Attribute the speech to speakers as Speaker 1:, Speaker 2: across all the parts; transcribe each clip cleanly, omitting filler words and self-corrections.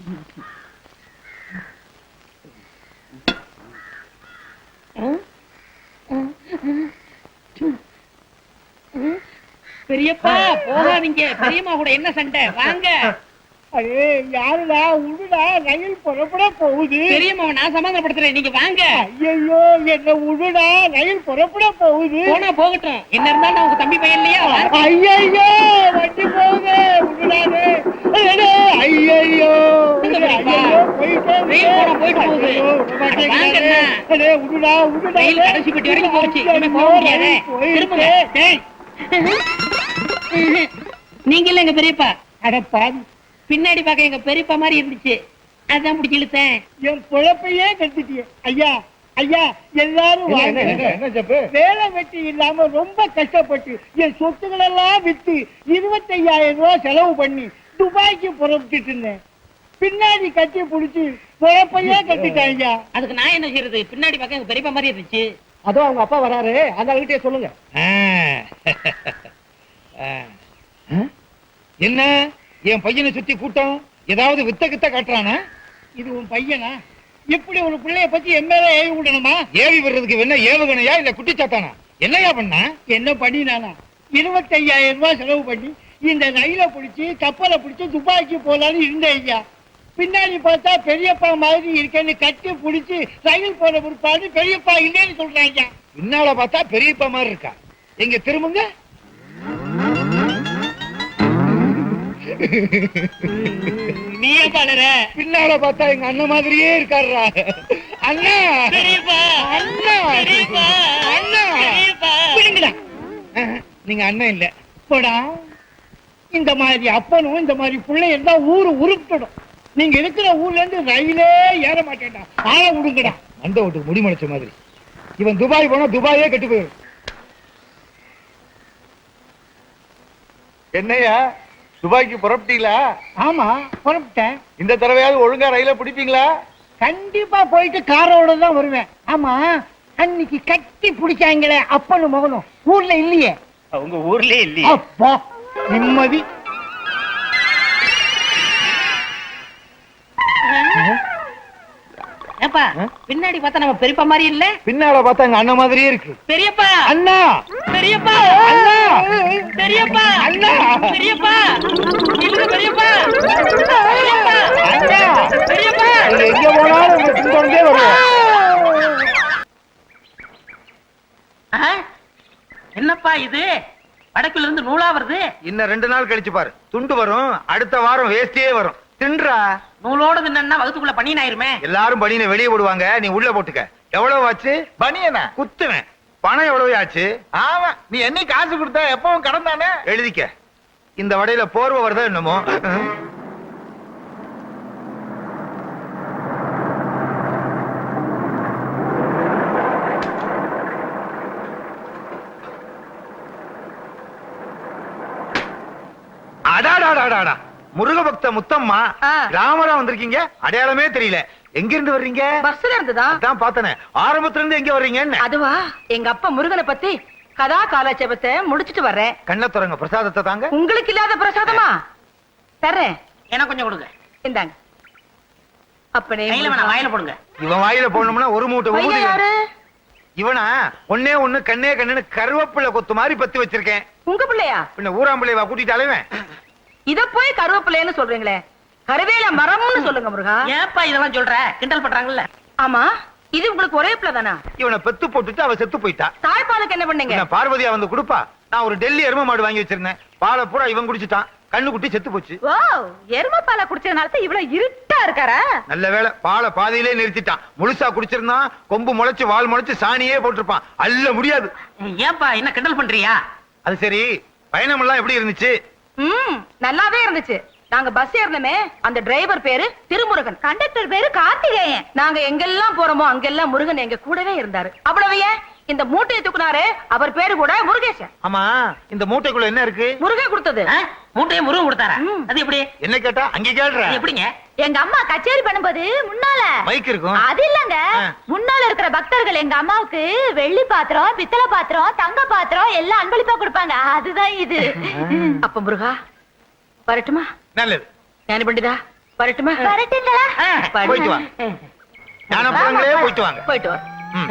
Speaker 1: பெரியப்பா போகாதீங்க. பெரியம்மா கூட என்ன சண்டை? வாங்க.
Speaker 2: அடே யாருடா உடுடா, ரயில் புறப்பட போகுது.
Speaker 1: பெரியம்மாவை நான் சமாதானப்படுத்துறேன், நீங்க வாங்க.
Speaker 2: ஐயோ என்ன உடுடா, ரயில் புறப்பட போகுது.
Speaker 1: போனா போகட்டும், என்ன இருந்தாலும் நான் உங்க தம்பி பையன் இல்லையா?
Speaker 2: ஐயோ வண்டி போகுது, உடுடானே. ஐயோ
Speaker 1: போயிட்டு போகுது.
Speaker 2: உடுடா உடுடா,
Speaker 1: ரயில் கடைசி பெட்டி வரைக்கும் போச்சு. போக முடியாது. திரும்புங்க. நீங்க இல்ல எங்க பெரியப்பா.
Speaker 2: அடப்பா,
Speaker 1: பின்னாடி பார்க்க எங்க பெரியப்பா மாதிரி இருந்துச்சு, அதான் பிடிச்சி இழுத்தேன்.
Speaker 2: என் பொழப்பையே கட்டிட்டிய. ஐயா ஐயா எல்லாரும் வேலை வெட்டி இல்லாம ரொம்ப கஷ்டப்பட்டு என் சொத்துக்கள் எல்லாம் வித்து 25,000 ரூபாய் செலவு பண்ணி துபாய்க்கு புறப்பட்டு இருந்தேன். பின்னாடி கட்டி புடிச்சு பொழப்பையே கட்டிட்டாங்க.
Speaker 1: அதுக்கு நான் என்ன செய்யறது? பின்னாடி பார்க்க எங்க பெரியப்பா மாதிரி இருந்துச்சு.
Speaker 2: அதோ அவங்க அப்பா வராரு, அந்த கிட்டே சொல்லுங்க.
Speaker 3: என்ன என் பையனை சுத்தி கூட்டம் ஏதாவது வித்த கித்த காட்டுறானா?
Speaker 2: இது உன் பையனா? இப்படி ஒரு பிள்ளைய பத்தி எம்எல்ஏ ஏவி விடணுமா?
Speaker 3: ஏவி விடுறதுக்கு என்ன ஏவுகணையா இல்ல குட்டிச்சாத்தானா? என்னையா பண்ணா?
Speaker 2: என்ன பண்ணினானா? 25,000 ரூபாய் செலவு பண்ணி இந்த ரயில பிடிச்சி கப்பலை பிடிச்சி துபாய்க்கு போலான்னு இருந்தேன் ஐயா. பின்னாடி பார்த்தா பெரியப்பா மாதிரி இருக்கேன்னு கட்டி பிடிச்சி ரயில் போன பிற்பாடு பெரியப்பா இல்லைன்னு சொல்றாங்க.
Speaker 3: பின்னால பார்த்தா பெரியப்பா மாதிரி இருக்கா? எங்க திரும்புங்க.
Speaker 1: நீ பாடுற.
Speaker 3: பின்னால பார்த்தா எங்க அண்ணன் மாதிரியே இருக்காருடா. அண்ணா
Speaker 1: பெரியப்பா,
Speaker 3: அண்ணா
Speaker 1: பெரியப்பா,
Speaker 3: அண்ணா
Speaker 1: பெரியப்பா.
Speaker 2: விடுங்கடா.
Speaker 3: நீங்க அண்ணன் இல்ல
Speaker 2: போடா. இந்த மாதிரி அப்பனும் இந்த மாதிரி பிள்ளை இருந்தா ஊரு உருப்பிடும். நீங்க இருக்கிற ஊர்ல இருந்து ரயிலே ஏற மாட்டேன்டா. ஆள விடுங்கடா.
Speaker 3: அந்த வீட்டுக்கு முடி முளைச்ச மாதிரி. இவன் துபாய் போனா துபாயே கெட்டு போயிடும்.
Speaker 4: என்னையா துபாய்க்கு புறப்பட்டீங்களா?
Speaker 2: ஆமா புறப்பட்டேன்.
Speaker 4: இந்த தடவையாவது ஒழுங்கா ரயில பிடிப்பீங்களா?
Speaker 2: கண்டிப்பா போயிட்டு காரோட தான் வருவேன். ஆமா அன்னைக்கு கட்டி பிடிச்சாங்களே அப்பனும் மகனும் ஊர்ல இல்லையே?
Speaker 4: உங்க ஊர்லயே இல்லையே.
Speaker 2: அப்பா நிம்மதி.
Speaker 1: ஏப்பா பின்னாடி பார்த்தா நம்ம பெரியப்பா மாதிரி இல்ல?
Speaker 3: பின்னால பார்த்தா எங்க அண்ணன் மாதிரியே இருக்கு.
Speaker 1: பெரியப்பா,
Speaker 3: அண்ணா
Speaker 1: பெரியப்பா,
Speaker 3: அண்ணா
Speaker 1: பெரியப்பா,
Speaker 3: அண்ணா
Speaker 1: பெரியப்பா, இல்ல பெரியப்பா, பெரியப்பா,
Speaker 3: அண்ணா
Speaker 1: பெரியப்பா.
Speaker 3: நீங்க எங்க போனாலும் உங்க பின்தொடர்ந்தே வருவோம்.
Speaker 1: என்னப்பா இது? வடக்குல இருந்து நூலா வருது.
Speaker 4: இன்னும் 2 நாள் கழிச்சு பாரு, துண்டு வரும். அடுத்த வாரம் வேஸ்டியே வரும். தின்றா.
Speaker 1: நூலோட தின்னா வகுத்துக்குள்ள பனியன் ஆயிருமே.
Speaker 4: எல்லாரும் பனியனை வெளியே போடுவாங்க, நீ உள்ள போட்டுக்க. எவ்வளவு ஆச்சு? பனியனா குத்துவேன். பணம் எவ்வளவு ஆச்சு? ஆமா, நீ என்ன காசு கொடுத்தா எப்பவும் கடன் தானே. எழுதிக்க. இந்த வடையில போர்வை வருதா என்னமோ. அடாடாடாடா, முருக பக்த முத்தம்மா, ராமரா வந்திருக்கீங்க. அடையாளமே தெரியல. எங்க இருந்து வர்றீங்க?
Speaker 5: பஸ்ல இருந்துதா?
Speaker 4: அதான் பார்த்தனே. ஆரம்பத்துல இருந்து எங்க வர்றீங்க?
Speaker 5: அதுவா, எங்க அப்பா முருகனை பத்தி கதா காலாட்சேபத்தை முடிச்சிட்டு வர்றேன்.
Speaker 4: கண்ண துறங்க, பிரசாதத்தை தாங்க.
Speaker 5: உங்களுக்கு இல்லாத பிரசாதமா? தர்றேன்.
Speaker 1: எனக்கு கொஞ்சம் கொடுங்க.
Speaker 5: இந்தாங்க. அப்பனே
Speaker 1: கையில வேணாம், வாயில போடுங்க.
Speaker 4: இவன் வாயில போடணும்னா ஒரு மூட்டை
Speaker 5: பையன்
Speaker 4: ஊதி.
Speaker 5: யாரு?
Speaker 4: இவனா ஒன்னே ஒண்ணு கண்ணே கண்ணுன்னு கருவேப்பிள்ளை கொத்து மாதிரி பத்தி வச்சிருக்கேன்.
Speaker 5: உங்க பிள்ளையா?
Speaker 4: பின்ன ஊராம்பிள்ளைவா கூட்டிட்டு அலைவேன்.
Speaker 5: இத போய் கருவேப்பிள்ளைன்னு சொல்றீங்களே, கருவேல மரம்னு சொல்லுங்க முருகா.
Speaker 1: ஏப்பா இதெல்லாம் சொல்ற? கிண்டல் பண்றாங்கல்ல.
Speaker 5: ஆமா, இது உங்களுக்கு ஒரே பிள்ளை தானா?
Speaker 4: இவனை பெத்து போட்டுட்டு அவ செத்து போயிட்டா.
Speaker 5: தாய்ப்பாலுக்கு என்ன பண்ணீங்க?
Speaker 4: பின்ன பார்வதியா வந்து கொடுப்பா. நான் ஒரு டெல்லி எரும மாடு வாங்கி வச்சிருந்தேன். பாலை பூரா இவன் குடிச்சிட்டான். கண்ணு குட்டி செத்து போச்சு.
Speaker 5: ஓ, எரும பாலை குடிச்சதுனால இவ்வளவு இருட்டா இருக்காரா?
Speaker 4: நல்ல வேளை, பாலை பாதியிலே நிறுத்திட்டான். முழுசா குடிச்சிருந்தான், கொம்பு முளைச்சு வால் முளைச்சு சாணியே போட்டிருப்பான். அல்ல முடியாது.
Speaker 1: ஏப்பா என்ன கிண்டல் பண்றியா?
Speaker 4: அது சரி, பயணம் எல்லாம் எப்படி இருந்துச்சு?
Speaker 5: நல்லாவே இருந்துச்சு. நாங்க பஸ் ஏறணுமே, அந்த டிரைவர் பேரு திருமுருகன், கண்டக்டர் பேரு கார்த்திகேயன். நாங்க எங்கெல்லாம் போறோமோ அங்கெல்லாம் முருகன் எங்க கூடவே இருந்தாரு. அவ்வளவு ஏன், இந்த மூட்டையை தூக்குனாரு, அவர் பேரு கூட முருகேசன்.
Speaker 4: ஆமா, இந்த மூட்டைக்குள்ள என்ன இருக்கு?
Speaker 5: முருகன் கொடுத்தது.
Speaker 1: மூட்டையை முருகன் கொடுத்தாரா? அது எப்படி?
Speaker 4: என்ன கேட்டா அங்க கேள்ற.
Speaker 1: எப்படிங்க?
Speaker 6: எங்க அம்மா கச்சேரி பண்ணும்போது முன்னால
Speaker 4: மைக் இருக்கும்.
Speaker 6: அது இல்லங்க, முன்னால இருக்கிற பக்தர்கள் எங்க அம்மாவுக்கு வெள்ளி பாத்திரம், பித்தளை பாத்திரம், தங்க பாத்திரம் எல்லாம் அன்பளிப்பா கொடுப்பாங்க. அதுதான் இது.
Speaker 5: அப்ப முருகா வரட்டுமா?
Speaker 4: நல்லது.
Speaker 5: ஞானி பண்டிதா வரட்டுமா?
Speaker 6: வரட்டுங்களா?
Speaker 4: போயிட்டு வாங்க. ஞானப்பழங்களே போயிட்டு வாங்க.
Speaker 5: போயிட்டு வா.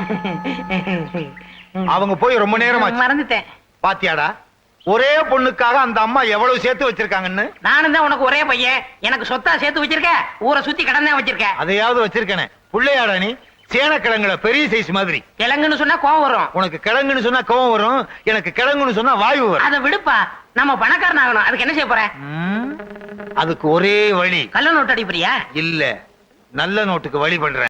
Speaker 4: அவங்க போய் ரொம்ப நேரம் ஆச்சு.
Speaker 5: மறந்துட்டேன்.
Speaker 4: பாத்தியாடா, ஒரே பொண்ணுக்காக அந்த அம்மா எவ்வளவு சேர்த்து வச்சிருக்காங்கன்னு.
Speaker 1: நானும் தான் உனக்கு ஒரே பையன், எனக்கு சொத்தா சேர்த்து வச்சிருக்க, ஊரை சுத்தி கடன் தான் வச்சிருக்க.
Speaker 4: அதையாவது வச்சிருக்கனே. புள்ளையாடா நீ? சேனக்கிழங்குல பெரிய சைஸ் மாதிரி.
Speaker 1: கிழங்குன்னு சொன்னா கோவம் வரும்.
Speaker 4: உனக்கு கிழங்குன்னு சொன்னா கோவம் வரும், எனக்கு கிழங்குன்னு சொன்னா வாயு வரும்.
Speaker 1: அதை விடுப்பா, நம்ம பணக்காரன் ஆகணும். அதுக்கு என்ன செய்ய போற?
Speaker 4: அதுக்கு ஒரே வழி.
Speaker 1: கள்ள நோட்டு அடிப்பறியா?
Speaker 4: இல்ல, நல்ல நோட்டுக்கு வழி பண்றேன்.